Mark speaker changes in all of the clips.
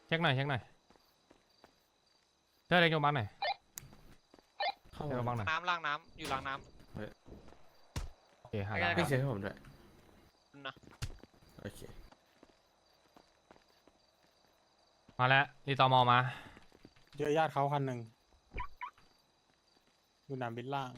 Speaker 1: เช็คหน่อยเธอเล็กโยบังหน่อยเข้าโยบังหน่อย
Speaker 2: น้ำล้างน้ำอยู่ล้างน้
Speaker 1: โอเคหาแล้ว
Speaker 3: พี่เช็คให้ผมด้วย
Speaker 2: ำนะ
Speaker 3: โอเค
Speaker 1: มาแล้วรีตอมอมา
Speaker 4: เจอญาติเขาคันหนึ่งอยู่หนามบินล่าง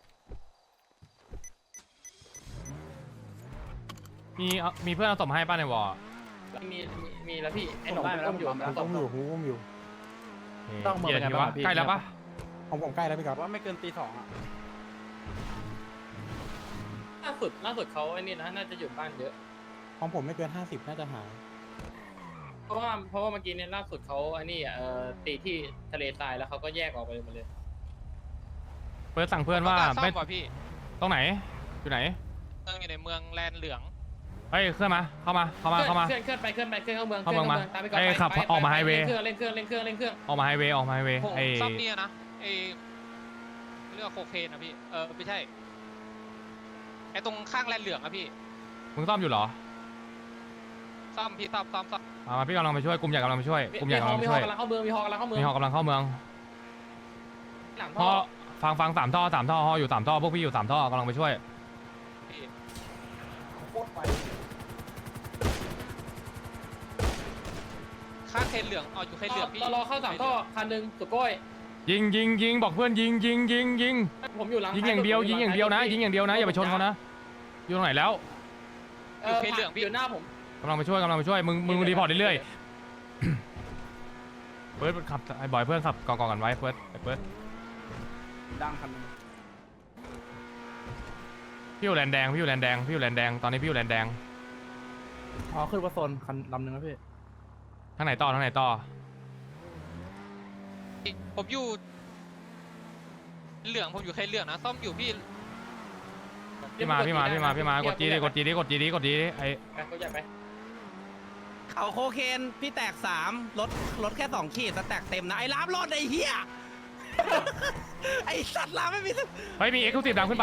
Speaker 1: มีเพื่อนเอาศพมาให้ป้าในวอร์
Speaker 5: มีแล้วพี่ไอ้หนุ่มอุ้มอยู่
Speaker 4: ผมอุ้มอยู่
Speaker 5: ต้องเมืองเป็นไงบ้างพี่
Speaker 1: ใกล้แล้วปะ
Speaker 4: ของผมใกล้แล้วพี่ก๊อฟ
Speaker 5: ว่าไม่เกินตี2อ่ะล่าสุดเขาไอ้นี่นะน่าจะอยู่บ้านเยอะ
Speaker 4: ของผมไม่เกิน50น่าจะหาย
Speaker 5: เพราะว่าเมื่อกี้เนี่ยล่าสุดเขาไอ้นี่ตีที่ทะเลทรายแล้วเขาก็แยกออกไปหมดเลย
Speaker 1: เปิดสั่งเพื่อนว่า
Speaker 2: ซ่อ
Speaker 1: ไม่
Speaker 2: มก่อนพี่
Speaker 1: ตรงไหนอยู่ไหน
Speaker 2: เมืองอยู่ในเมืองแลนเหลือง
Speaker 1: เฮ้ยเคลื่อนมาเข้ามา
Speaker 5: เคลื่อนไปเข้าเมือง
Speaker 1: เข้าเมืองมา
Speaker 5: ตามไปก่อน
Speaker 1: เอ้ยขับออกมาไฮเวย์
Speaker 5: เล่นเครื่อง
Speaker 1: ออกมาไฮเวย์
Speaker 2: ผม
Speaker 1: ไอ้
Speaker 2: ซ่อมเนี่ยนะไอเรื่องโคเคนนะพี่ไม่ใช่ไอตรงข้างแลนเหลืองอะพี่
Speaker 1: มึงซ่อมอยู่เหรอ
Speaker 2: ซ่อมพี่ซ่อม
Speaker 1: มาพี่กำลังไปช่วยกลุ่มใหญ่กำลังไปช่วยกลุ่มใหญ่กำลังไปช่วย
Speaker 5: มีฮอกำลังเข้าเมือง
Speaker 1: มีฮอกำลังเข้าเมือง
Speaker 5: หลัง
Speaker 1: ฮอฟัง3 ท่อฮออยู่3 ท่อพวกพี่อยู่3 ท่อกำลังไปช่วย
Speaker 2: พี่ข้างเคนเหลืองอยู่เคนเหลืองพี่
Speaker 5: รอเข้า3ท่อคันนึงสุโก้ย
Speaker 1: ยิงบอกเพื่อนยิง
Speaker 5: ผมอยู่หลัง
Speaker 1: ยิงอย่างเดียวนะยิงอย่างเดียวนะอย่าไปชนเขานะอยู่ตรงไหนแล้ว
Speaker 2: อยู่เคนเหลืองพี่
Speaker 5: อยู่หน้าผม
Speaker 1: กำลังไปช่วยมึงรีพอร์ตเรื่อยๆเฟิร์สขับไอ้บอยเพื่อนขับกองกันไว้เฟิร์ส
Speaker 5: ดังคันนึง
Speaker 1: พี่อยู่แลนแดงตอนนี้พี่อยู่แลนแดง
Speaker 5: อ๋อขึ้นว่าโซนคันลำนึงนะพี่
Speaker 1: ทางไหนต่อ
Speaker 2: ผมอยู่เหลืองผมอยู่เคนเหลืองนะซ่อมอยู่พี่
Speaker 1: พี่มากดจีดิไอ้
Speaker 5: เขาใหญ่ไป
Speaker 6: เขาโคเคนพี่แตก3รถแค่2 ขีดสแต็กเต็มนะไอ้ล้ามรถไอ้เหี้ย ไอ้สัตว์ล้ามไม่มี
Speaker 1: เฮ้ยมีเอ็กซ์คลูซีฟดังขึ้นไป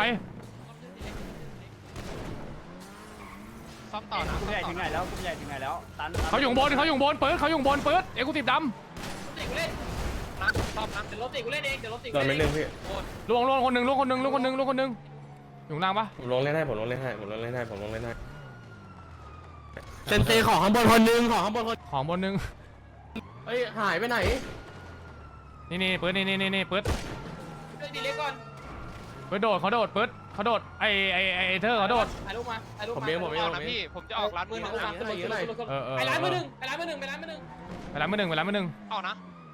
Speaker 2: ซ่อมต่อนะ
Speaker 5: กูใหญ่ถึงไหนแล้วตัน
Speaker 1: เขาอยู่บนเปิดเขาอยู่บนเปิดเอ็กซ์คลูซีฟด
Speaker 5: รถติกูเล่น
Speaker 2: นะซ่อมนะ
Speaker 5: เดี๋ยวรถติกูเล่นเอง
Speaker 3: โดนไปหนึ่งพี่
Speaker 1: ำล่วงคนหนึ่งอยู่ล่างปะ
Speaker 3: ผมลงเล่นให้ ผมลงเล่นให้
Speaker 6: เซนเซของข้างบนคนนึงของข้างบนคน
Speaker 1: ของบนหนึ่ง
Speaker 3: เฮ้ย หายไปไหน
Speaker 1: นี่เปิดนี่เปิด
Speaker 5: เล่นดีเล็กก่อน
Speaker 1: เขาโดดไอ้เธอเขาโดด
Speaker 5: ถ่ายรูปมา
Speaker 3: ผมเอง
Speaker 2: ออกนะพี่ผมจะออกร้านมือหนึ่ง
Speaker 5: ไปร้านมือหนึ่งไปร้านมือหนึ่ง
Speaker 1: ไปร้านมือหนึ่ง
Speaker 2: ออกนะ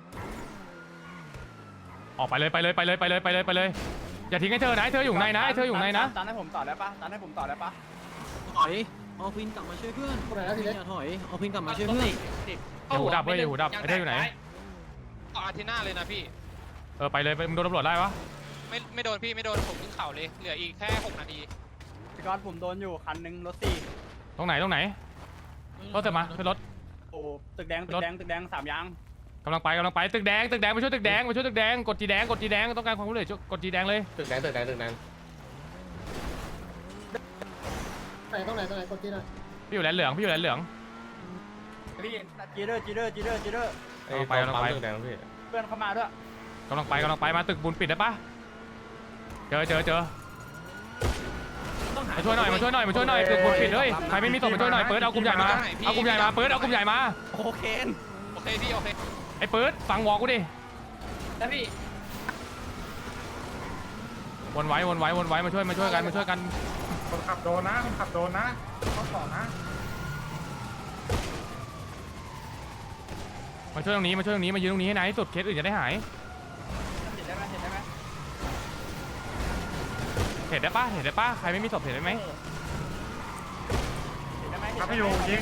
Speaker 1: ออกไปเลยอย่าทิ้งให้เธอนะเธออยู่ในนะ
Speaker 5: ตันให้ผมต่อได้ปะ
Speaker 6: ถอยเอาพินกลับมาช่วยเพื่อนอย่าถอยเอาพินกลับมาช่วยเพื่อน
Speaker 1: อย่าหูดับไอ้เธออยู่ไหน
Speaker 2: ออกอาทิตย์หน้าเลยนะพี่
Speaker 1: ไปเลยมึงโดนตำรวจได้ปะ
Speaker 2: ไม่โดนพี่ไม่โดนผมขึ้นเขาเลยเหลืออีกแค่6 นาที
Speaker 5: พี่ก๊อตผมโดนอยู่คันนึงรถ4
Speaker 1: ตรงไหนรถเสร็จมาขึ้นรถ
Speaker 5: โอ้ตึกแดง3 ยาง
Speaker 1: กำลังไปตึกแดงมาช่วยตึกแดงกดจีแดงต้องการความรู้เลยกดจีแดงเลย
Speaker 3: ตึกแดง
Speaker 7: ตรงไหนกดที่ไหน
Speaker 1: พี่อยู่แลนเหลือง
Speaker 5: จีเดอร์
Speaker 1: ไป
Speaker 3: ตึกแดงพี่
Speaker 5: เพื่อนเข้ามาด้วย
Speaker 1: กำลังไปมาตึกบุญปิดได้ปะเจอมาช่วยหน่อยตึกบุญปิดเลยใครไม่มีศพมาช่วยหน่อยเปิดเอากลุ่มใหญ่มาเปิดเอากลุ่มใหญ่มา
Speaker 6: โคเคน
Speaker 2: โอเคพี่โอเค
Speaker 1: ไอ้เปิดฟังวอกูดิ
Speaker 5: แล้วพี่
Speaker 1: วนไว้มาช่วยกัน
Speaker 4: คนขับโดนนะเขาต่อนะ
Speaker 1: มาช่วยตรงนี้มายืนตรงนี้ให้นานที่สุดเคสอื่นจะได้หาย
Speaker 5: เห็นได้ไหม
Speaker 1: เห็นได้ปะใครไม่มีศพเห็นได้ไหม
Speaker 4: ครับพี่อยู่ยิ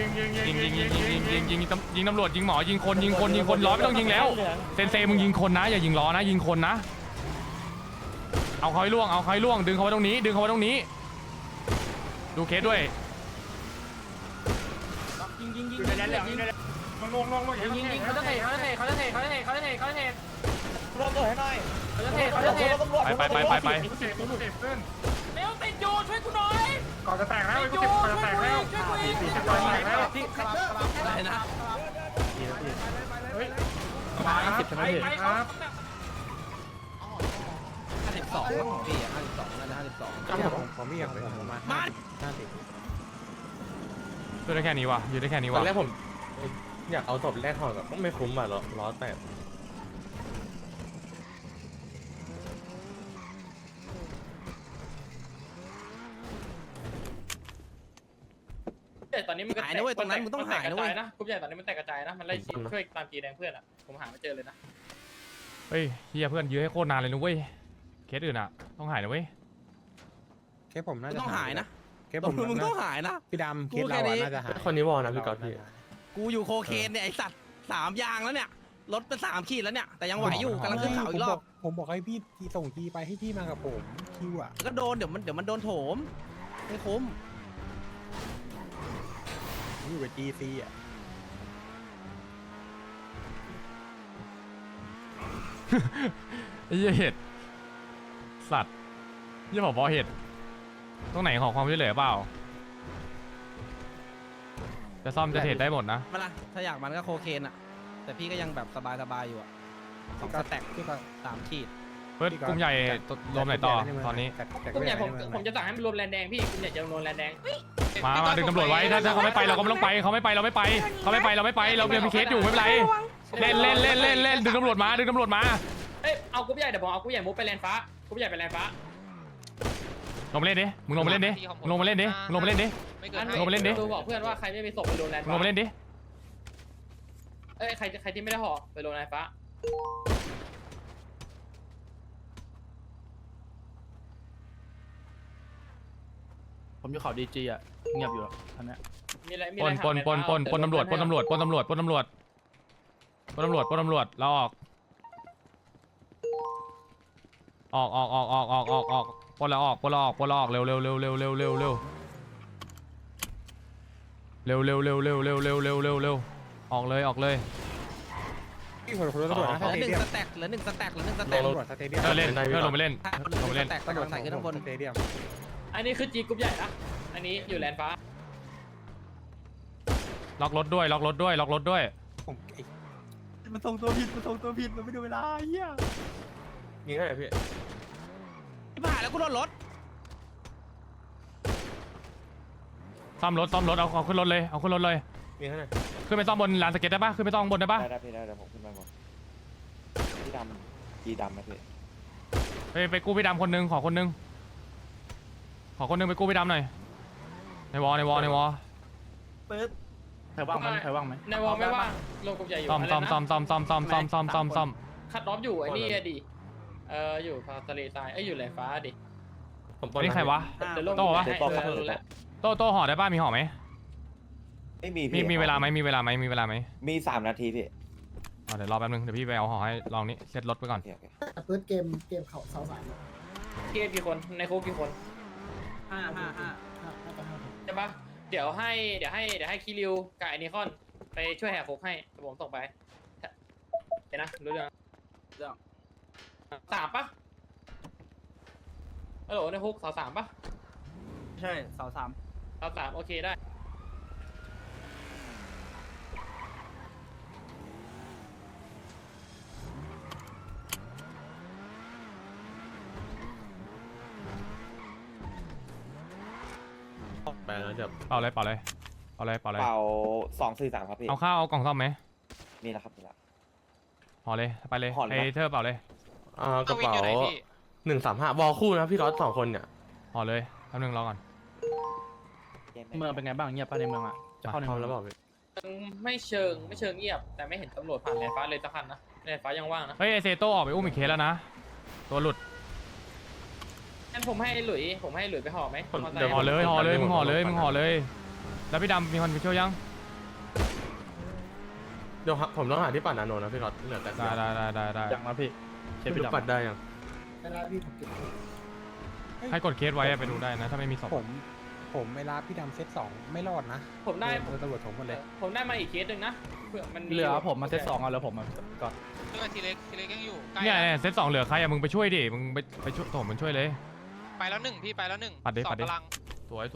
Speaker 4: ง
Speaker 1: ยิงตำรวจยิงหมอยิงคนล้อไม่ต้องยิงแล้วเซนเซมึงยิงคนนะอย่ายิงล้อนะยิงคนนะเอาเขาให้ล่วงดึงเขาไว้ตรงนี้ดูเคสด้วย
Speaker 5: ยิงอยู่ในนั้นแหละยิง
Speaker 7: เขาจะเทเขาจะเท
Speaker 1: ไป
Speaker 5: เร็วติดอยู่ช่วยกูหน่อย
Speaker 4: ก่อนจะแตกแล้วช่วยกู
Speaker 6: อะไรนะ
Speaker 4: ใช่ไหมพี่ครับ
Speaker 6: 52ของพี่อะ52น่าจะ52
Speaker 3: ผมไม่อยากเลยผมมา
Speaker 6: มา
Speaker 1: ช่วยได้แค่นี้วะอยู่ได้แค่นี้
Speaker 3: ตอ
Speaker 1: วะ
Speaker 3: นแรกผมอยากเอาศพแรกห่อกับไม่คุ้มอ่ะล้อแตก
Speaker 5: แต่ตอนนี้มันก็
Speaker 6: หายนะเว้ยตรงนั้นมึงต้องหายนะเว้ย
Speaker 5: นะกรุ๊ปใหญ่ตอนนี้มันแตกกระจายนะมันไล่ช่วยตามกีแดงเพื่อนอ่ะผมหาไม่เจอเลยนะ
Speaker 1: เฮ้ยเฮียเพื่อนยื้อให้โคตรนานเลยนะเว้ยเคสอื่นอะต้องหายนะเว้ย
Speaker 8: เคสผมน่า
Speaker 6: มึง
Speaker 8: จะ
Speaker 6: ต้องหายนะ
Speaker 8: เคสผม
Speaker 6: มึงต้องหายนะ
Speaker 8: พี่ดำเค
Speaker 6: กู
Speaker 8: สเรา
Speaker 6: แค่นี้
Speaker 8: อะน่าจะหาย
Speaker 3: คนนี้วอลนะพี่ก๊อตพี่
Speaker 6: กูอยู่โคเคนเนี่ยไอสัตว์3 ยางแล้วเนี่ยรถเป็น3 ขีดแล้วเนี่ยแต่ยังไหวอยู่กำลังขึ้นเขาอีกรอบ
Speaker 8: ผมบอกให้พี่ทีส่งทีไปให้พี่มากับผมคิวอ่ะ
Speaker 6: ก็โดนเดี๋ยวมันโดนโถมไม่คุ้ม
Speaker 8: ผมอยู่กับ GC อ่ะ
Speaker 1: ไอ้เหี้ยเห็ดสัตว์เหี้ยผบเห็ดตรงไหนของความช่วยเหลือเปล่าจะซ่อมจะเทรดได้หมดนะ
Speaker 6: มาละถ้าอยากมันก็โคเคนอ่ะแต่พี่ก็ยังแบบสบายอยู่อ่ะ2 สแต็ก
Speaker 8: พี่ก็
Speaker 6: 3 ขีด
Speaker 1: เพื่อนกลุ่มใหญ่รวมไหนต่อตอนนี้
Speaker 5: กรุ๊ปใหญ่ผมจะสั่งให้มันรวมแลนแดงพี่กรุ๊ปใหญ่จะรวมแลนแดง
Speaker 1: มาดึงตำรวจไว้ถ้าเขาไม่ไปเราก็ไม่ต้องไปเขาไม่ไปเราไม่ไปเขาไม่ไปเราไม่ไปเรายังมีเคสอยู่ไม่เป็นไรเล่นดึงตำรวจมาดึงตำรวจมา
Speaker 5: เอ้ยเอากรุ๊ปใหญ่เดี๋ยวผมเอากรุ๊ปใหญ่มุกไปแลนฟ้ากรุ๊ปใหญ่ไปแลนฟ้า
Speaker 1: ลงมาเล่นดิมึงลงมาเล่นดิมึงลงมาเล่นดิมึงลงมาเล่นดิ
Speaker 2: ไม่เกิน
Speaker 1: ลงมาเล่นดิ
Speaker 5: ดูบอกเพื่อนว่าใครไม่มีศพไปโดนแลน
Speaker 1: มึงล
Speaker 5: ฟ้าง
Speaker 1: มาเล่นดิ
Speaker 5: เอ้ยใครที่ไม่ได้ห่อไปโดนแลนฟ้า
Speaker 9: ผมอยู่เขาดีจีอ่ะเงียบอยู่ท่านเนี้ย
Speaker 5: มีอะไรมี
Speaker 1: ป
Speaker 5: อะไร
Speaker 1: นปนปนปนปนตำรวจปนตำรวจปนตำรวจปนตำรวจปนตำรวจปนตำรวจเราออกปนแล้วออกปนแล้วออกปนแล้วออกเร็วเร็วเร็วเร็วเร็วเร็วเร็วเร็วเร็วเร็วเร็วเร็วเร็วเร็วเร็วเร็วออกเลยออกเลย
Speaker 8: พี่ขอโทษตำรวจนะ
Speaker 6: เห
Speaker 8: ส
Speaker 6: ลือ
Speaker 8: เตเดียม
Speaker 6: 1 สแต็กเหลือ1 สแต็กเหลือ1 ส
Speaker 8: ต
Speaker 6: แต็ก
Speaker 8: ำรวจสเตเดียม
Speaker 1: เพื่อนเล่นเพื่อนลงไปเล่น ลงไปเล่น
Speaker 6: สแต็ก
Speaker 8: ตำรวจ
Speaker 6: ใส่ขึ้นข้างบน
Speaker 8: สเตเดียม
Speaker 5: อันนี้คือจีกรุ๊ปใหญ่นะอันนี้อยู่แลนฟ้า
Speaker 1: ล็อกรถด้วยล็อกรถด้วยล็อกรถด้วย
Speaker 8: ผมไอ้
Speaker 9: มันส่งตัวผิดมันไม่ดูเวลาเฮีย
Speaker 3: ยิงให้หน่อยพี่
Speaker 6: ที่ผ่านแล้วกูโดนรถ
Speaker 1: ซ่อมรถเอาขึ้นรถเลยเอาขึ้นรถเลย
Speaker 3: ยิงให้หน่อย
Speaker 1: ขึ้นไปซ่อมบนลานสเก็ตได้ปะขึ้นไปซ่อมบนได้ปะ
Speaker 10: ได้พี่ได้เดี๋ยวผมขึ้นมาก่อนพี่ดำกีดำไหมพี่
Speaker 1: ไปกู้พี่ดำคนนึงขอคนนึงไปกู้พี่ดำหน่อยในวอในวอ
Speaker 9: ใครว่างไหมใครว่างไหม
Speaker 5: ในวอลไม่ว่างโลกรุ๊ปใหญ่อยู่
Speaker 1: ซ่อม
Speaker 5: อะไรนะ
Speaker 1: ซ่อม
Speaker 5: คัดรอบอยู่ไอ้นี่อะดิอยู่พาทะเลทรายอยู่แลนฟ้าดิ
Speaker 3: ผมปน
Speaker 1: นี่ใครวะ
Speaker 5: เดี๋ยวลง
Speaker 1: โต้วะ
Speaker 5: ให้รู้แล้ว
Speaker 1: โต้ห่อได้ป่ะมีห่อไหม
Speaker 10: ไม่มี
Speaker 1: มีเวลาไหมมีเวลาไหม
Speaker 10: มี3 นาทีพี่
Speaker 1: เดี๋ยวรอแป๊บนึงเดี๋ยวพี่ไปเอาห่อให้ลองนี้เซตรถไปก่อน
Speaker 10: โอเค
Speaker 7: เปิดเกมเขาเสาสาม
Speaker 5: เกียร์กี่คนในคุกกี่คน
Speaker 7: น่าจะห้า
Speaker 5: ใช่ปะเดี๋ยวให้คิริวกับไอนิคอนไปช่วยแหกคุกให้เดี๋ยวผมส่งไปเดี๋ยวนะรู้เรื่อง3ปะฮัลโหลในคุกเสา3ปะ
Speaker 9: ใช่เสา3
Speaker 5: เสา3โอเคได้
Speaker 3: ไปแล้วเดี๋ยว
Speaker 1: เป่าเลย
Speaker 10: เป่า243ครับพี่
Speaker 1: เอาข้าวเอากล่องซ่อมไหม
Speaker 10: นี่แหละครับนี่แหละ
Speaker 1: ห่อเลยไปเลย
Speaker 10: ห่อเลย
Speaker 1: ไอ
Speaker 10: ปะ
Speaker 1: เธอเป่าเลย
Speaker 3: กระเป๋า135วอลคู่นะพี่ก๊อต2 คนเนี่ย
Speaker 1: ห่อเลยแป๊บนึงรอก่อน
Speaker 9: เมืองเป็นไงบ้างเงียบป่ะในเมืองอ่ะจะเข้าใน
Speaker 3: พร้อม
Speaker 9: เมื
Speaker 3: แล้
Speaker 9: อ
Speaker 3: ว
Speaker 9: ง
Speaker 3: บอกพี่
Speaker 5: ไม่เชิงเงียบแต่ไม่เห็นตำรวจผ่านแลนฟ้าเลยสักคันนะแลนฟ้ายังว่างนะ
Speaker 1: เฮ้ยไอเซโต้ออกไปอุ้มอีกเคสแล้วนะตัวหลุด
Speaker 5: งั้นผมให้หลุยไปห่อไหม
Speaker 1: ห่อเลยมึงห่อเลยแล้วพี่ดำมีคนไปช่วยยัง
Speaker 3: เดี๋ยวผมต้องหาที่ปั่นนาโนนะพี่ก๊อตเหลือแต่
Speaker 1: ได้
Speaker 9: อย่างนะพี่เคส
Speaker 3: ไม่
Speaker 9: พี่
Speaker 3: รู้
Speaker 9: ดำ
Speaker 3: ปั่นได้ยัง
Speaker 7: แล้วพี่ผมเก็บ
Speaker 1: ให้กดเคสไว้ไปดูได้นะถ้าไม่มีศพ
Speaker 8: ผมเวลาพี่ดำเซต2ไม่รอดนะ
Speaker 5: ผมได้
Speaker 8: โดนตำรวจถมหมดเลย
Speaker 5: ผมได้มาอีกเคสหนึ่งนะเผื่อมันมี
Speaker 9: เหลือผมมาเซต2เอาแล้วผมมาก่อน
Speaker 2: เรื่องทีเล็กยังอยู่ใกล้
Speaker 1: เนี่ยเซต2เหลือใครอะมึงไปช่วยดิมึงไปช่วยโถมมันช่วยเลย
Speaker 2: ไปแล้ว1พี่ไปแล้ว1
Speaker 1: ปัดดิ
Speaker 2: 2
Speaker 1: ปัดดิ
Speaker 2: กำลัง
Speaker 1: สวย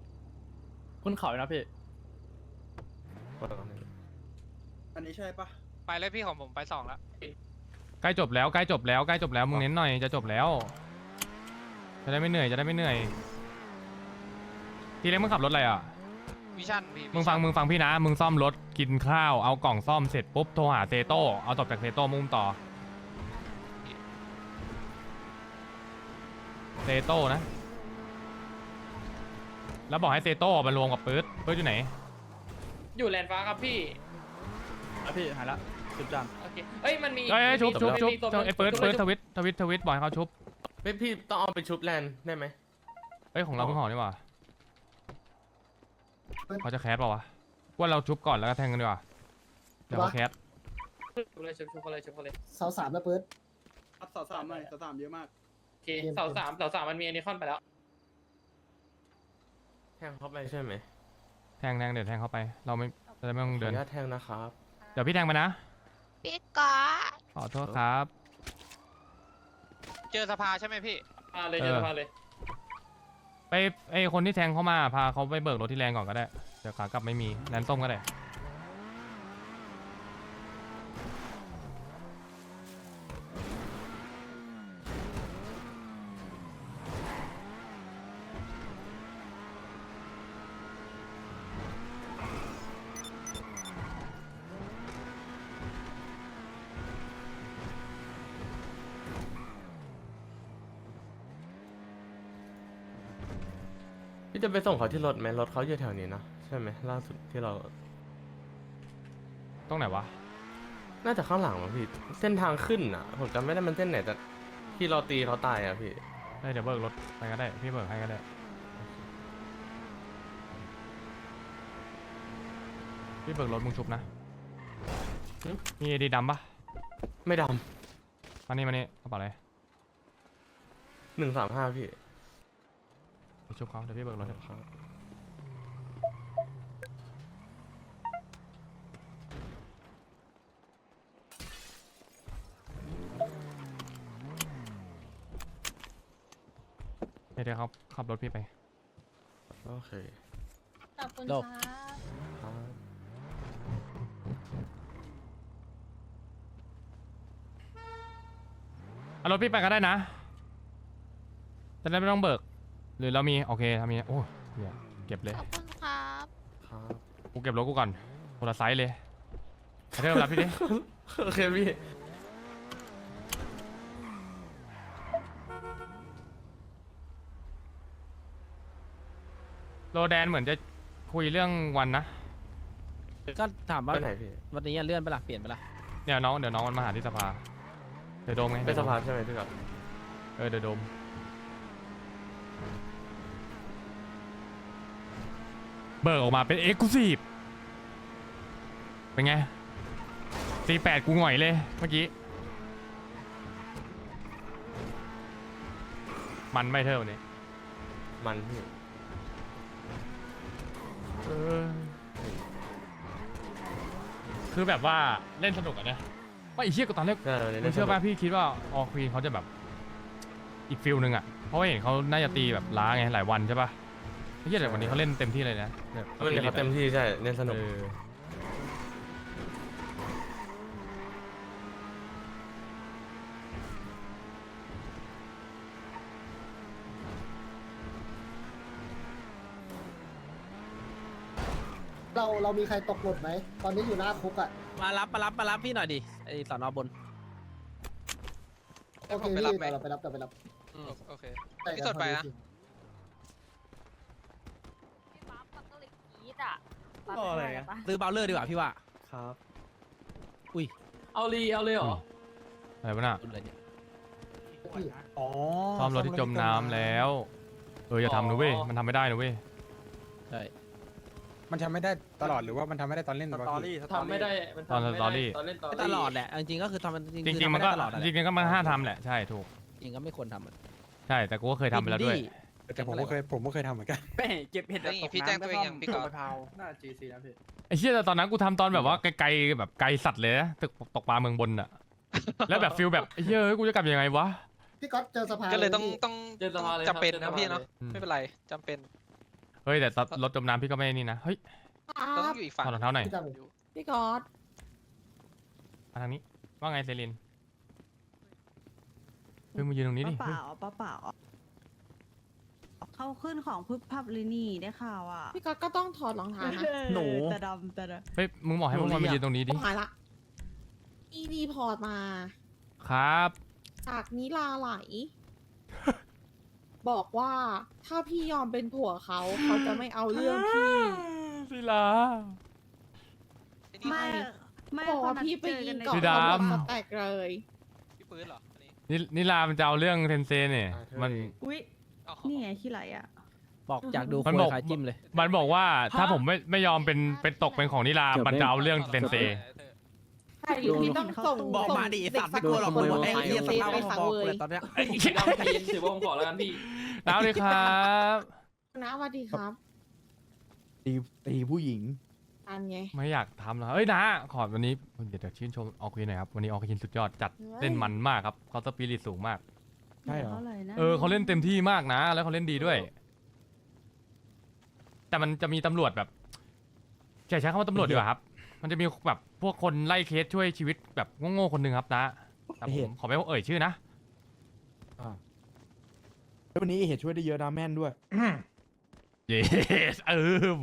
Speaker 9: ขึ้นเขาเลยนะพี่
Speaker 3: ปั่นก่อน
Speaker 9: อันนี้ใช่ปะ
Speaker 2: ไปเลยพี่ของผมไป2แล้ว
Speaker 1: ใกล้จบแล้วใกล้จบแล้วใกล้จบแล้วมึงเน้นหน่อยจะจบแล้ว จะได้ไม่เหนื่อยจะได้ไม่เหนื่อยทีเล็กมึงขับรถอะไรอ่ะ
Speaker 2: วิชั่นพี่
Speaker 1: มึงฟังพี่นะมึงซ่อมรถกินข้าวเอากล่องซ่อมเสร็จปุ๊บโทรหาเซโต้เอาตบจากเซโต้มุ่งต่อเซโต้นะแล้วบอกให้เซโต้มารวมกับปื๊ดอยู่ไหน
Speaker 5: อยู่แลนด์ฟ้าครับพี่
Speaker 9: อ่ะพี่หายละจุดจาน
Speaker 5: โอเคเอ้ยมันมี
Speaker 1: เอ้ยชุบ
Speaker 5: มัน
Speaker 1: ชุบ
Speaker 5: มี
Speaker 1: ชุบ
Speaker 5: มีตัว
Speaker 1: ไอ้ปื๊ดทวิตบอกให้เขาชุบ
Speaker 3: เฮ้ยพี่ต้องเอาไปชุบแลนด์ได้ไหม
Speaker 1: เอ้ยของเราเพิ่งห่อนี่หว่าเขาจะแคสเปล่าวะว่าเราชุบก่อนแล้วก็แทงกันดีกว่าเดี๋ยวเขาแคส
Speaker 5: ชุบเลยชุบเขาเลยชุบเขาเลย
Speaker 7: เสาสามนะเปิด
Speaker 6: เสาสามหน่อยเสาสามเยอะมาก
Speaker 5: โอเคเสาสามมันมีไอคอนไปแล้ว
Speaker 3: แทงเข้าไปใช่ไหม
Speaker 1: แทงเดี๋ยวแทงเข้าไปเราไม่จะได้ไม่ต้อง
Speaker 3: ขอ
Speaker 1: เดิ
Speaker 3: อน นุญาตแทงนะครับ
Speaker 1: เดี๋ยวพี่แทงไปนะ
Speaker 11: พี่ก๊อต
Speaker 1: ขอโทษครับ
Speaker 2: เจอสภาใช่ไหมพี่
Speaker 5: เลยเจอมาเลย
Speaker 1: ไปไอคนที่แทงเข้ามาพาเขาไปเบิกรถที่แรงก่อนก็ได้เดี๋ยวขากลับไม่มีแลนส้มก็ได้
Speaker 3: พี่จะไปส่งเขาที่รถไหมรถเขาอยู่แถวนี้นะใช่ไหมล่าสุดที่เรา
Speaker 1: ตรงไหนวะ
Speaker 3: น่าจะข้างหลังมั้งพี่เส้นทางขึ้นอ่ะผมจำไม่ได้มันเส้นไหนแต่ที่เราตีเขาตายอ่ะพี่
Speaker 1: เดี๋ยวเบิกรถไปก็ได้พี่เบิกให้ก็ได้พี่เบิกรถมึงชุบนะมีดีดำปะ
Speaker 3: ไม่ด
Speaker 1: มานี่กระเป๋าอะไร
Speaker 3: ำ135พี่
Speaker 1: ไปชุบเขาเดี๋ยวพี่เบิกรถให้
Speaker 3: ครับ
Speaker 1: เดี๋ยวเขาขับรถพี่ไป
Speaker 3: โอเค
Speaker 11: ขอบคุณ
Speaker 9: โล
Speaker 11: ค
Speaker 9: ก
Speaker 11: รับ
Speaker 3: ครับ
Speaker 1: เอารถพี่ไปก็ได้นะจะได้ไม่ต้องเบิกหรือเรามีโอเคทำมีโอ้ยเหี้ยเก็บเลย
Speaker 11: ขอบคุณครับ
Speaker 3: ครับ
Speaker 1: กูเก็บรถกูก่อนคนละไซส์เลยไอ้เธอรับพี่ดิ
Speaker 3: โอเคพี่
Speaker 1: โรแดนเหมือนจะคุยเรื่องวันนะ
Speaker 9: ก็ถามว่า
Speaker 3: ไปไหนพี่
Speaker 9: วันนี้เลื่อนไปละเปลี่ยนไปละ
Speaker 1: เดี๋ยวน้องมันมาหาที่สภาเดี๋ยวโดมไง
Speaker 3: ไปสภาใช่ไหมพี่ครับ
Speaker 1: เดี๋ยวโดมเบิกออกมาเป็นเอ็กซ์คลูซีฟเป็นไง48กูหง่อยเลยเมื่อกี้มันไม่เท่านี้
Speaker 3: มันพี่
Speaker 1: คือแบบว่าเล่นสนุกอะนะว่าไอ้เชี่ยก็ตอนแรก มึงเชื่อป่ะพี่คิดว่าออควีนเขาจะแบบอีกฟิลนึงอ่ะเพราะว่าเห็นเขาน่าจะตีแบบล้าไงหลายวันใช่ป่ะไม่ใช่แต่วันนี้เขาเล่นเต็มที่เลยนะแบบ
Speaker 3: มันเขาเต็มที่ใช่เล่นสนุก
Speaker 7: เรามีใครตกหล่นไหมตอนนี้อยู่หน้าคุกอ่ะ
Speaker 6: มารับพี่หน่อยดิไอสอนอบน
Speaker 7: โอเค
Speaker 2: ไป
Speaker 7: พี่
Speaker 2: รับไหม
Speaker 7: เราไปรับ
Speaker 2: โอเค
Speaker 7: แต่
Speaker 2: พี่สดไปนะ
Speaker 11: พี่ป๊าปักก็เลยกรี๊ดอ่ะ
Speaker 6: รออะไรอะซื้อเบลเลอร์ดีกว่าพี่ว่า
Speaker 3: ครับ
Speaker 5: เอาเลยเหรอ
Speaker 1: อะไรวะน่ะ
Speaker 6: คุณเลยเนี่ย
Speaker 7: พี่
Speaker 8: อ๋อ
Speaker 1: ซ่อมรถที่จมน้ำแล้วอย่าทำนะเว้ยมันทำไม่ได้นะเว้ย
Speaker 6: ใช่
Speaker 8: มันทำไม่ได้ตลอดหรือว่ามันทำไม่ได้ตอนเล่นวะพี่
Speaker 5: ทำไม่ได้มัน
Speaker 1: ตอน
Speaker 5: ทำไม่
Speaker 1: สตอ
Speaker 5: ได้
Speaker 1: รี่
Speaker 5: ตอนเล่นตอน
Speaker 6: ไม่ตลอดแหละจริงๆก็คือทำ
Speaker 1: จริงๆมันก็
Speaker 6: ตลอดแหละ
Speaker 1: จริงๆก็มันห้ามทำแหละใช่ถูก
Speaker 6: จริงก็ไม่ควรทำอะ
Speaker 1: ใช่แต่กูก็เคยทำไปแล้วด้วย
Speaker 8: แต่ผมก็เคยทำเหมือนกัน
Speaker 9: เก็บเห็ด
Speaker 2: นี่พี่แจ้งตัวเองยังพี่ก๊อฟ
Speaker 9: น่า GC นะพี่
Speaker 1: ไอ้เชี่ยแต่ตอนนั้นกูทำตอนแบบว่าไกลๆแบบไกลสัตว์เลยนะตึกตกปลาเมืองบนอะแล้วแบบฟิลแบบไอ้เหี้ยเฮ้ยกูจะกลับยังไงวะ
Speaker 7: พี่ก๊อตเจอสภา
Speaker 2: ก็เลยต้อง
Speaker 7: พี่
Speaker 2: ต้อง
Speaker 5: เจอสภาเลย
Speaker 2: จำเป็น
Speaker 5: ครั
Speaker 2: นะ
Speaker 5: บ
Speaker 2: พี่เนาะ
Speaker 1: อืม
Speaker 2: ไม่เป็นไรจำเป็น
Speaker 1: เฮ้ยแต่รถจมน้ำพี่ก็ไม่นี่นะเฮ้ย
Speaker 2: ต้องอยู่อีกฝั่ง
Speaker 1: ถอดรองเท้าหน่อย
Speaker 7: พี่จำ
Speaker 11: พี่ก๊อต
Speaker 1: มาทางนี้ว่าไงเซรินเพิ่งมายืนตรงนี้ดิ
Speaker 11: เปล่าเขาขึ้นของพึบพับเลยนี่ได้ข่าวอ่ะ
Speaker 12: พี่ก๊อตก็ต้องถอดรองเท้านะ
Speaker 9: หนู
Speaker 11: แต่ดำ
Speaker 1: เฮ้ยมึงบอกให้พวกมันมายืนตรงนี้ดิ
Speaker 12: หายละอีรีพอร์ตมา
Speaker 1: ครับ
Speaker 12: จากนิลาไหล บอกว่าถ้าพี่ยอมเป็นผัวเขา เขาจะไม่เอาเรื่องพี่
Speaker 1: ศิลา
Speaker 11: ไม่
Speaker 12: บอกว่าพี่ไปยิงเกาะ
Speaker 1: พี่
Speaker 12: ตำรวจ
Speaker 1: ดำ
Speaker 12: สแต็กเลย
Speaker 2: พี่ปืนเหรออันนี้
Speaker 1: นิลามันจะเอาเรื่องเทนเซเนี่ยมัน
Speaker 11: อุ้ย
Speaker 2: เอา
Speaker 11: นี่ไงขี้ไหลอ่ะ
Speaker 9: บอกอยากดู
Speaker 1: มัน
Speaker 9: ค
Speaker 1: บอก
Speaker 9: ยขายจิ้มเลย
Speaker 1: มันบอกว่าถ้าผมไม่ยอมเป็นตกเป็นของนิลามันจะเอาเรื่องเทนเซ
Speaker 12: ใช่หรือพี่ต้องส่ง
Speaker 6: บอกมาดิไอ้สัตว์ไม่กลัวหรอกมึงบอกไอ้เหี้ยสภาพ
Speaker 12: ไป
Speaker 6: พ
Speaker 12: สัง
Speaker 6: อ
Speaker 12: เว
Speaker 6: ๆเลย ยตอนเนี้ย
Speaker 5: ถือว่าผมขอแล้วกันพี่
Speaker 1: แล้วเลยครับ
Speaker 12: นะสวัสดีครับ
Speaker 8: ตีผู้หญิง
Speaker 12: อันไง
Speaker 1: ไม่อยากทำแล้วเอ้ยนะขอวันนี้เดี๋ยวชื่นชมออควีนหน่อยครับวันนี้ออควีนสุดยอดจัดเล่นมันมากครับเขาสปิริตสูงมาก
Speaker 8: ใช่เหรอ
Speaker 1: เขาเล่นเต็มที่มากนะ แล้วเขาเล่นดีด้วย แต่มันจะมีตำรวจแบบใช้คำว่าตำรวจดีกว่าครับ มันจะมีแบบพวกคนไล่เคสช่วยชีวิตแบบโง่ๆคนหนึ่งครับนะแต่ผมขอไม่เอ่ยชื่อนะ
Speaker 8: แล้ววันนี้เหตุช่วยได้เยอะนะแม่นด้วย
Speaker 1: เยสม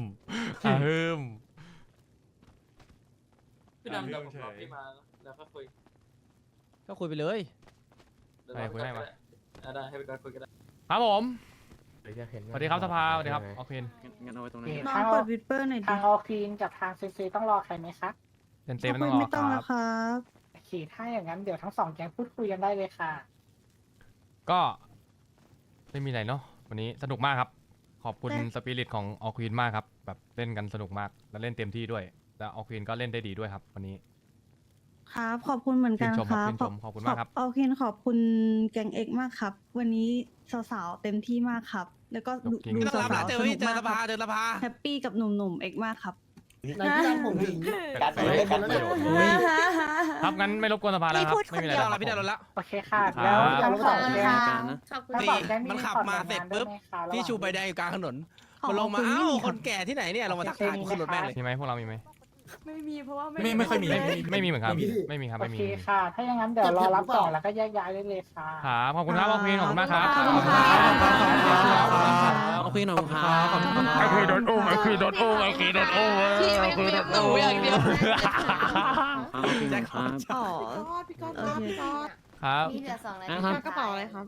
Speaker 5: พี่ดำเดี๋ยวผมรอพี่มาแล้วก็คุย
Speaker 9: ก็คุยไปเลย
Speaker 1: ไปคุยได้ไหม
Speaker 5: ได้ให้ไปก่อนคุยก็ได้
Speaker 1: ครับผม
Speaker 3: หรืออยากเห็น
Speaker 1: สวัสดีครับสภาสวัสดีครับออควีน
Speaker 5: งั้นเอาไว้ตรงนี้
Speaker 11: น้องเปิดวิดเปอร์หน่อยดิ
Speaker 12: ทางออคีนกับทางเซซีต้องรอใครไหมคะ
Speaker 1: เต็มไม่ต้องรอครับ
Speaker 11: ครับ
Speaker 12: ขี่ถ้าอย่างนั้นเดี๋ยวทั้งสองแก๊งพูดคุยกันได้เลยค่ะ
Speaker 1: ก็ไม่มีอะไรเนาะวันนี้สนุกมากครับ ขอบคุณสปิริตของออควีนมากครับแบบเล่นกันสนุกมากแล้วเล่นเต็มที่ด้วยแล้วออควีนก็เล่นได้ดีด้วยครับวันนี้
Speaker 11: ครับขอบคุณเหมือนกัน
Speaker 1: ชื่นชม
Speaker 11: ค
Speaker 1: ครับ
Speaker 11: รับ
Speaker 1: ชื่นชมขอบคุณมากครับ
Speaker 11: โอเคขอบคุณแกงเอ็กมากครับ วันนี้สาวๆเต็มที่มากครับ แล้วก็ดู
Speaker 1: จริง
Speaker 11: ดู
Speaker 6: ก็รับ
Speaker 11: สา
Speaker 6: แล้ว
Speaker 11: ว
Speaker 6: เจ
Speaker 11: ๆ
Speaker 6: อ
Speaker 11: สนุก
Speaker 6: เจอ
Speaker 11: มาก
Speaker 6: ส
Speaker 11: ค
Speaker 6: ภา
Speaker 11: รับ
Speaker 6: เจอสภา
Speaker 11: แฮปปี้กับหนุ่มๆเอ็กมากครับ
Speaker 7: นายพี่ดำผมถึง
Speaker 10: การไปเลยกันไป
Speaker 1: ครับงั้นไม่รบกวนสภาแล้วครับไม่มีอะไร
Speaker 6: พี่
Speaker 1: แล้ว
Speaker 6: ดำละพี่ดำละ
Speaker 12: โอเคค่ะ
Speaker 1: ครับ
Speaker 12: แล้วเดี๋ยวสองแก๊ง
Speaker 11: ขอบคุณ
Speaker 12: ทั้ง
Speaker 6: ตี
Speaker 12: สองแก๊ง
Speaker 6: มันขับมาเสร็จปุ๊บ พี่ชูใบแดงอยู่กลางถนน
Speaker 11: ของ
Speaker 6: มันลงมา
Speaker 11: คุณไม่
Speaker 6: เอ้า
Speaker 11: มี
Speaker 6: คนแก่ที่ไหนเนี่ยลงมาทักทายกูขึ้นรถแม่งเลย
Speaker 1: มีไหมพวกเรามีไหม
Speaker 11: ไม่มีเพราะว่า
Speaker 8: ไม่ค่อยมี
Speaker 1: ไม่มีเหมือนกันไม่มีครับ
Speaker 12: โอ
Speaker 1: ไม่มี
Speaker 12: เคค่ะ ถ้าอย่างนั้นเดี๋ยวรอรับกล่องแล้วก็แยกย้ายได้เลยค่ะ
Speaker 1: ครับขอบคุณครับออควีนขอบคุณมากครับ
Speaker 11: ขอบคุณครับ
Speaker 9: เอาคุยหน่อยครับ
Speaker 1: ไอควีนโดนอุ้มไอควีนโดนอุ้มไอควีนโดนอุ้ม
Speaker 11: พี่ไม่
Speaker 1: ไอควีนโดน
Speaker 11: หนู
Speaker 1: อุ้ม
Speaker 11: อย่างเดียว
Speaker 6: แจ็คครับ
Speaker 11: อ๋อ
Speaker 12: พี่ก๊อตครับพี่ก๊อต
Speaker 1: ครับ
Speaker 11: มีเหลือ2
Speaker 12: พี่ก๊อตกระเป๋าอะไรครับ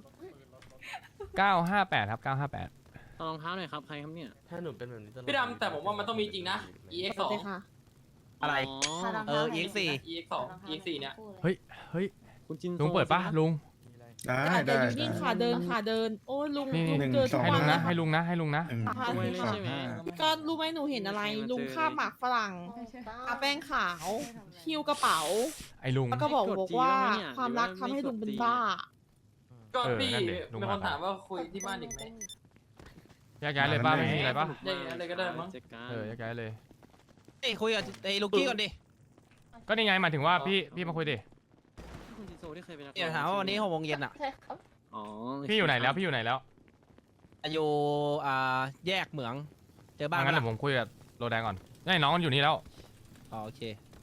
Speaker 1: 958ครับ958
Speaker 9: รองเท้าหน่อยครับใครครับเนี่ย
Speaker 3: ถ้าหนูเป็นแบบนี้ตลอด
Speaker 5: พี่ดำแต่ผมว่ามันต้องมีจริงนะ EX 2
Speaker 12: โอเคค่ะ
Speaker 6: อะไร
Speaker 9: อ๋อ
Speaker 6: EX4
Speaker 5: EX 2 EX 4เนี่ย
Speaker 1: เฮ้ย
Speaker 9: คุณจิน
Speaker 1: ลุงเปิดปะลุง
Speaker 4: ได้
Speaker 12: เดี๋ยวอยู่นี่ค่ะเดินค่ะเดิน โอ้ยลุง
Speaker 1: นี่
Speaker 12: ลุงเจอทุก
Speaker 1: ให้
Speaker 12: วั
Speaker 1: ลุ
Speaker 12: น
Speaker 1: ง
Speaker 12: เล
Speaker 1: นะ
Speaker 12: ย
Speaker 1: ให้ลุงนะให้ลุงนะ
Speaker 12: ค่ะ
Speaker 9: ด้วยเลยใช่ไหม
Speaker 12: พี่ก๊อตรู้ไหมหนูเห็นอะไร ลุงคาบหมากฝรั่งทาแป้งขาวหิ้วกระเป๋า
Speaker 1: ไอ้ลุง
Speaker 12: แล้วก็บอกว่าความรักทำให้ลุงเป็นบ้า
Speaker 5: ก็พี่
Speaker 1: นั่นดิลุง
Speaker 5: มีคน
Speaker 1: มา
Speaker 5: ถามว่าคุยที่บ้านอีกไหม
Speaker 1: แยกย้ายเลยป้าไม่มีอะไรปะ
Speaker 5: ได้อะไรก็ได้มั้ง
Speaker 1: แยกย้ายเลย
Speaker 6: เอ้ยคุยกับไอ้ลูกกี้ก่อนดิ
Speaker 1: ก็นี่ไงหมายถึงว่าพี่มาคุยดิ
Speaker 9: คุณจินโซที่เคยเป็นนัก
Speaker 6: เดี๋ยวถามว่าวันนี้6 โมงเย็นอ่ะ
Speaker 9: อ๋อ
Speaker 1: พี่อยู่ไหนแล้วพี่อยู่ไหนแล้ว
Speaker 6: อยู่แยกเหมืองเจอบ้าน
Speaker 1: งั้น
Speaker 6: ไหม
Speaker 1: เดี๋ยวผมคุยกับโรแดงก่อนนี่น้องมันอยู่นี่แล้ว
Speaker 6: อ๋อโอเค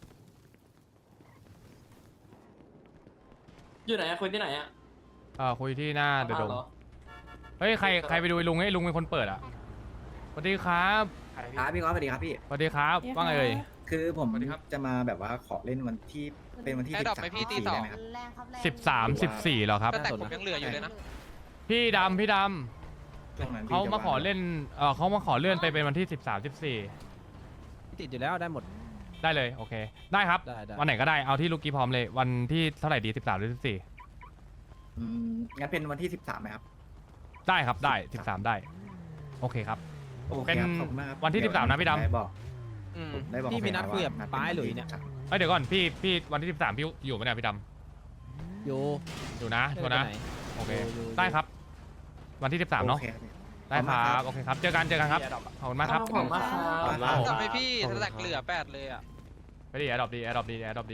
Speaker 5: อยู่ไหนอะคุยที่ไหนอะ
Speaker 1: คุยที่หน้าเดอะโดม
Speaker 5: เหรอ
Speaker 1: เฮ้ยใครไปดูไอ้ลุงไอ้ลุงเป็นคนเปิดอ่ะสวัสดีครับ
Speaker 10: ครับพี่ง้อสวัสดีครับพี่
Speaker 1: สวัสดีครับว่าไงเอ่ย
Speaker 10: คือผม
Speaker 1: สวัสดีครับ
Speaker 10: จะมาแบบว่าขอเล่นวันที่เป็นวันที่
Speaker 2: แอร์ดรอปไหมพี่ตีสอง
Speaker 10: ได้ไหมครับ
Speaker 11: แรงครับแรง
Speaker 1: 13 14เหรอครับ
Speaker 2: แต่ผมยังเหลืออยู่เลยนะ
Speaker 1: พี่ดำ
Speaker 10: ช่วงนั้นพี่
Speaker 1: เขา
Speaker 10: จะ
Speaker 1: มาขอ
Speaker 10: ว่ง
Speaker 1: เล่นเขามาขอเลื่อนไปเป็นวันที่ 13
Speaker 6: ติดอยู่แล้วได้หมด
Speaker 1: 14ได้เลยโอเคได้ครับ
Speaker 6: ได้
Speaker 1: วันไหนก็ได้เอาที่ลูกกี้พร้อมเลยวันที่เท่าไหร่ดี13หรือ14
Speaker 10: งั้นเป็นวันที่13ไหมครับ
Speaker 1: ได้ครับได้13ได้โอเคครับ
Speaker 10: โอเค
Speaker 1: เป็น
Speaker 10: ครับขอบคุณมากครับ
Speaker 1: วันที่
Speaker 10: เดี๋ย
Speaker 1: 13นะพี่ดำ
Speaker 10: ได้บอก
Speaker 6: อืม
Speaker 10: ได้บอก
Speaker 6: พี่มีนัดคุยกับ
Speaker 10: นัด
Speaker 6: ป้ายหลุยเนี่ย
Speaker 1: เอ้ยเดี๋ยวก่อนพี่วันที่ 13พี่อยู่ไหมเนี่ยพี่ดำ
Speaker 6: อยู่
Speaker 1: อยู่นะชัวร์นะ
Speaker 6: ไม่ได้ไปไห
Speaker 1: โอเค
Speaker 6: อยู่
Speaker 1: ได้ครับ วันที่ 13เนาะ
Speaker 10: โอคครับพี่
Speaker 1: ได้ครับโอเคครับเจอกันครับขอบคุณมากครับ
Speaker 5: ขอบคุณมากครับ
Speaker 1: ขอบคุณมาก
Speaker 2: จำไปพี่สแต็กเหลือ8เลยอ่ะ
Speaker 1: ไปดิแอร์ดรอปดีแอร์ดรอปดี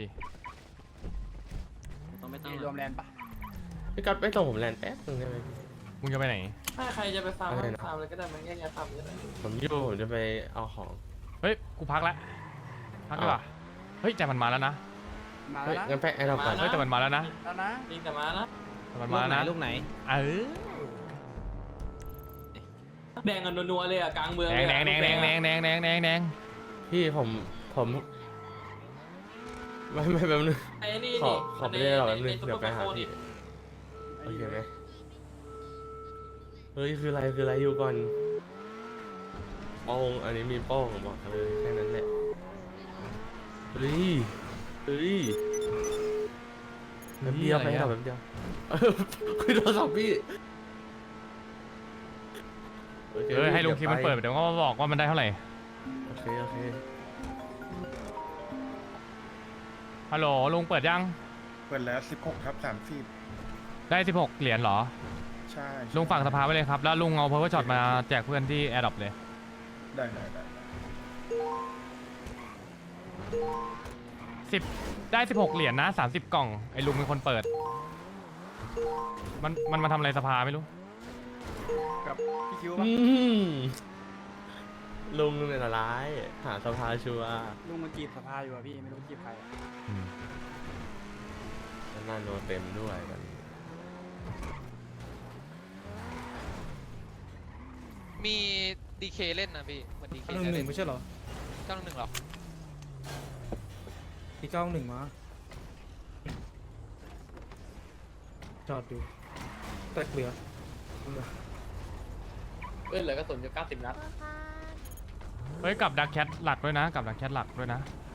Speaker 9: ต้องไม่ตั้ง
Speaker 8: รวมแลนด์ปะ
Speaker 3: พี่ก๊อตไปส่งผมแลนด์แป๊บนึงได้ไหม
Speaker 1: มึงจะไปไหน
Speaker 5: ถ้าใครจะไปฟาร์ม
Speaker 3: อะไรนะ
Speaker 5: ฟาร์มเลยก็ได้มันแยกๆฟาร์มก็ได้
Speaker 3: ผมจะไปเอาของ
Speaker 1: เฮ้ยกูพักแล้วพักดีกว่าเฮ้ยแต่มันมาแล้วนะ
Speaker 9: มา
Speaker 3: เฮ้ย
Speaker 9: แล้ว
Speaker 3: งั้นไปแอร์ดรอปก่อน
Speaker 1: เฮ้ยแต่มันมาแล้วนะ
Speaker 9: แล้วนะจริงแต่มานะ
Speaker 1: แต่มันมาแล้วนะ
Speaker 6: ลูกไหน
Speaker 1: เออ
Speaker 9: แดงกันนัวๆเลยอ่ะกลางเมือง
Speaker 1: แดงแดงแดงแดงแดงแดงแดงแดงแดง
Speaker 3: พี่ผมไม่แป๊บนึง
Speaker 9: ไอ้นี่
Speaker 3: ขอไปเล่นหรอแป๊บนึงเดี๋ยวไปหาพี่โอเคไหมเฮ้ยคืออะไรอยู่ก่อนโป้งอันนี้มีโป้งบอกเลยแค่นั้นแหละเฮ้ยแป๊บเดียวไปแป๊บเดียวคุยโทรศัพท์พี่โอเค
Speaker 1: ให้ลุงคิมมันเปิดเดี๋ยวก็มาบอกว่ามันได้เท่าไหร่
Speaker 3: โอเค
Speaker 1: ฮัลโหลลุงเปิดยัง
Speaker 4: เปิดแล้ว16/30
Speaker 1: ได้16เหรียญเหรอ
Speaker 4: ใช่
Speaker 1: ลุงฝากสภาไว้เลยครับแล้วลุงเอาเพอร์เวอร์ช็อตมาแจกเพื่อนที่แอร์ดรอปเลย
Speaker 4: ได้
Speaker 1: 10ได้16เหรียญนะ30กล่องไอ้ลุงเป็นคนเปิดมันมาทำอะไรสภาไม่รู้
Speaker 4: พี่คิว
Speaker 3: อืมลุงเนี่ยละร้ายหาสภาชัวร์
Speaker 9: ลุงมันจีบสภาอยู่อ่ะพี่ไม่รู้จีบใคร
Speaker 3: แล้วหน้าโนเต็มด้วยกัน
Speaker 2: มีดีเคเล่นนะพี่เหมือนดีเค
Speaker 8: 1-1ไม่ใช่เหรอ
Speaker 2: 911หรอ
Speaker 8: ที่91มาจอดดูแตกเหลือ
Speaker 5: เพื่อนเหลือกระสุนอยู่90 นัด
Speaker 1: เฮ้ยกับดักแคทหลักด้วยนะกับดักแคทหลักด้วยนะ